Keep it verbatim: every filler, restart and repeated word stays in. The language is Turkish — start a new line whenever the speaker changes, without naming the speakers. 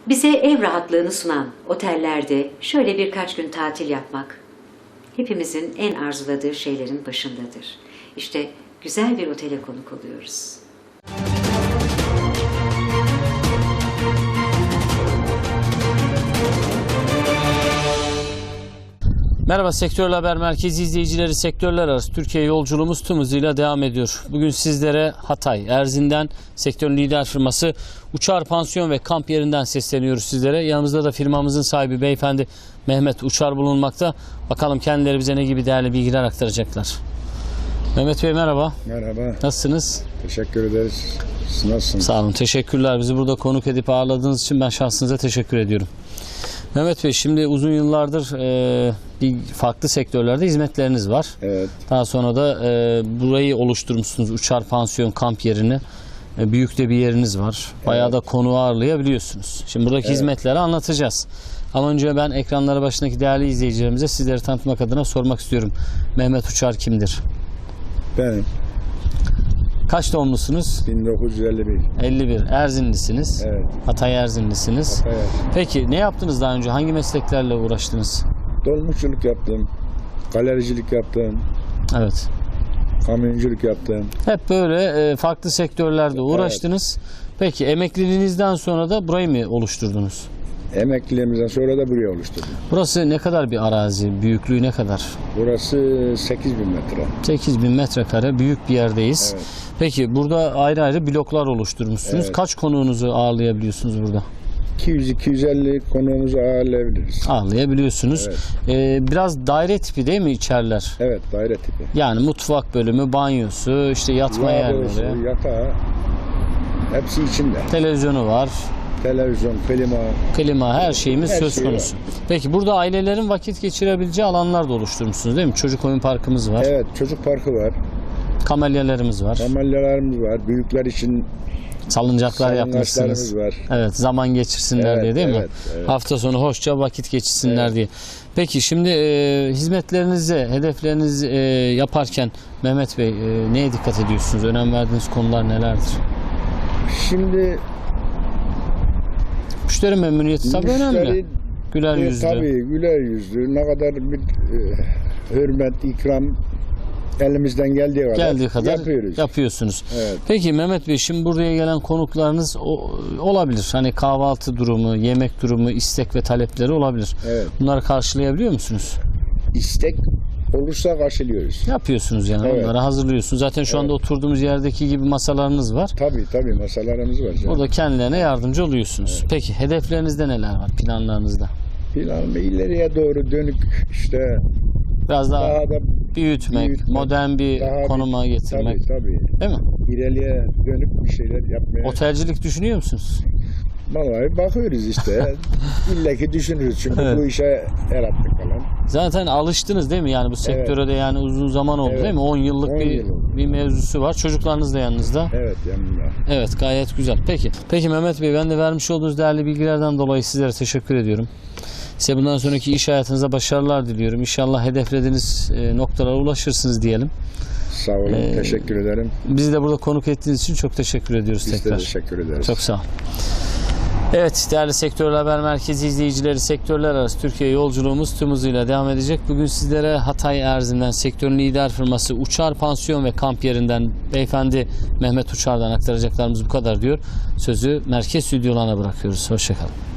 Bize ev rahatlığını sunan otellerde şöyle birkaç gün tatil yapmak hepimizin en arzuladığı şeylerin başındadır. İşte güzel bir otele konuk oluyoruz.
Merhaba, Sektörel Haber Merkezi izleyicileri, sektörler arası Türkiye yolculuğumuz tüm hızıyla devam ediyor. Bugün sizlere Hatay, Erzin'den sektörün lider firması Uçar Pansiyon ve Kamp yerinden sesleniyoruz sizlere. Yanımızda da firmamızın sahibi beyefendi Mehmet Uçar bulunmakta. Bakalım kendileri bize ne gibi değerli bilgiler aktaracaklar. Mehmet Bey merhaba.
Merhaba.
Nasılsınız?
Teşekkür ederiz. Siz nasılsınız?
Sağ olun, teşekkürler. Bizi burada konuk edip ağırladığınız için ben şahsınıza teşekkür ediyorum. Mehmet Bey, şimdi uzun yıllardır e, bir farklı sektörlerde hizmetleriniz var.
Evet.
Daha sonra da e, burayı oluşturmuşsunuz, Uçar Pansiyon Kamp yerini. E, büyük de bir yeriniz var. Bayağı
Evet.
da konu ağırlayabiliyorsunuz. Şimdi buradaki
Evet.
hizmetleri anlatacağız. Ama önce ben ekranlara başındaki değerli izleyicilerimize sizleri tanıtmak adına sormak istiyorum. Mehmet Uçar kimdir?
Benim
Kaç doğumlusunuz?
bin dokuz yüz elli bir.
elli bir. Erzinlisiniz.
Evet.
Hatay Erzinlisiniz.
Evet.
Peki ne yaptınız daha önce? Hangi mesleklerle uğraştınız?
Dolmuşçuluk yaptım. Galericilik yaptım.
Evet.
Kamyonculuk yaptım.
Hep böyle e, farklı sektörlerde uğraştınız. Peki emekliliğinizden sonra da burayı mı oluşturdunuz?
Emekliliğimizden sonra da buraya oluşturdum.
Burası ne kadar bir arazi? Büyüklüğü ne kadar?
Burası sekiz bin metre.
sekiz bin metrekare büyük bir yerdeyiz.
Evet.
Peki burada ayrı ayrı bloklar oluşturmuşsunuz.
Evet.
Kaç konuğunuzu ağırlayabiliyorsunuz burada?
iki yüz iki yüz elli konuğumuzu ağırlayabiliriz.
Ağırlayabiliyorsunuz.
Evet.
Ee, biraz daire tipi değil mi içeriler?
Evet, daire tipi.
Yani mutfak bölümü, banyosu, işte yatma
Lavabosu,
yerleri,
yatağı hepsi içinde.
televizyonu var.
Televizyon, klima.
Klima, her şeyimiz
Her
söz
şey
konusu. Peki burada ailelerin vakit geçirebileceği alanlar da oluşturmuşsunuz değil mi? Çocuk oyun parkımız var.
Evet, çocuk parkı var.
Kamelyalarımız var.
Kamelyalarımız var. Büyükler için
Salıncaklar yapmışsınız.
salıngaçlarımız var.
Evet, zaman geçirsinler
Evet,
diye değil mi?
evet, evet.
Hafta sonu hoşça vakit geçirsinler
Evet.
diye. Peki şimdi e, hizmetlerinize, hedeflerinizi e, yaparken Mehmet Bey e, neye dikkat ediyorsunuz? Önem verdiğiniz konular nelerdir?
Şimdi
Müşteri memnuniyeti tabii önemli.
müşteri
Güler
e,
yüzlü.
tabii güler yüzlü. Ne kadar bir e, hürmet, ikram elimizden geldiği kadar,
Geldiği kadar
yapıyoruz.
yapıyorsunuz.
Evet.
Peki Mehmet Bey, şimdi buraya gelen konuklarınız o, olabilir. Hani kahvaltı durumu, yemek durumu, istek ve talepleri olabilir.
Evet.
Bunları karşılayabiliyor musunuz?
İstek olursa karşılıyoruz.
Yapıyorsunuz yani,
Evet.
onları hazırlıyorsunuz. Zaten şu anda oturduğumuz yerdeki gibi masalarınız var.
Tabii tabii masalarımız var. canım.
Burada kendilerine yardımcı oluyorsunuz. Peki hedeflerinizde neler var, planlarınızda?
Plan ileriye doğru dönük işte
Biraz daha,
daha da
büyütmek,
büyütmek,
modern bir
daha bir-
konuma getirmek,
tabii tabii
değil mi?
ileriye dönük bir şeyler yapmaya.
Otelcilik düşünüyor musunuz?
Vallahi bakıyoruz işte. İlla ki düşünürüz çünkü
Evet.
bu işe el attık falan.
Zaten alıştınız değil mi? Yani bu sektöre de yani uzun zaman oldu
Evet.
değil mi? on yıllık
on
bir
yıl oldu.
bir mevzusu var. Çocuklarınız da yanınızda.
Evet yanımda.
Evet, gayet güzel. Peki. Peki Mehmet Bey, ben de vermiş olduğunuz değerli bilgilerden dolayı sizlere teşekkür ediyorum. Size bundan sonraki iş hayatınıza başarılar diliyorum. İnşallah hedeflediğiniz e, noktalara ulaşırsınız diyelim.
Sağ olun.
Ee,
teşekkür ederim.
Bizi de burada konuk ettiğiniz için çok teşekkür ediyoruz
Biz
tekrar.
de teşekkür ederiz.
Çok sağ olun. Evet, değerli Sektörel Haber Merkezi izleyicileri, sektörler arası Türkiye yolculuğumuz tüm hızıyla devam edecek. Bugün sizlere Hatay Erzin'den sektörün lider firması Uçar Pansiyon ve Kamp yerinden beyefendi Mehmet Uçar'dan aktaracaklarımız bu kadar diyor. Sözü merkez stüdyolarına bırakıyoruz. Hoşçakalın.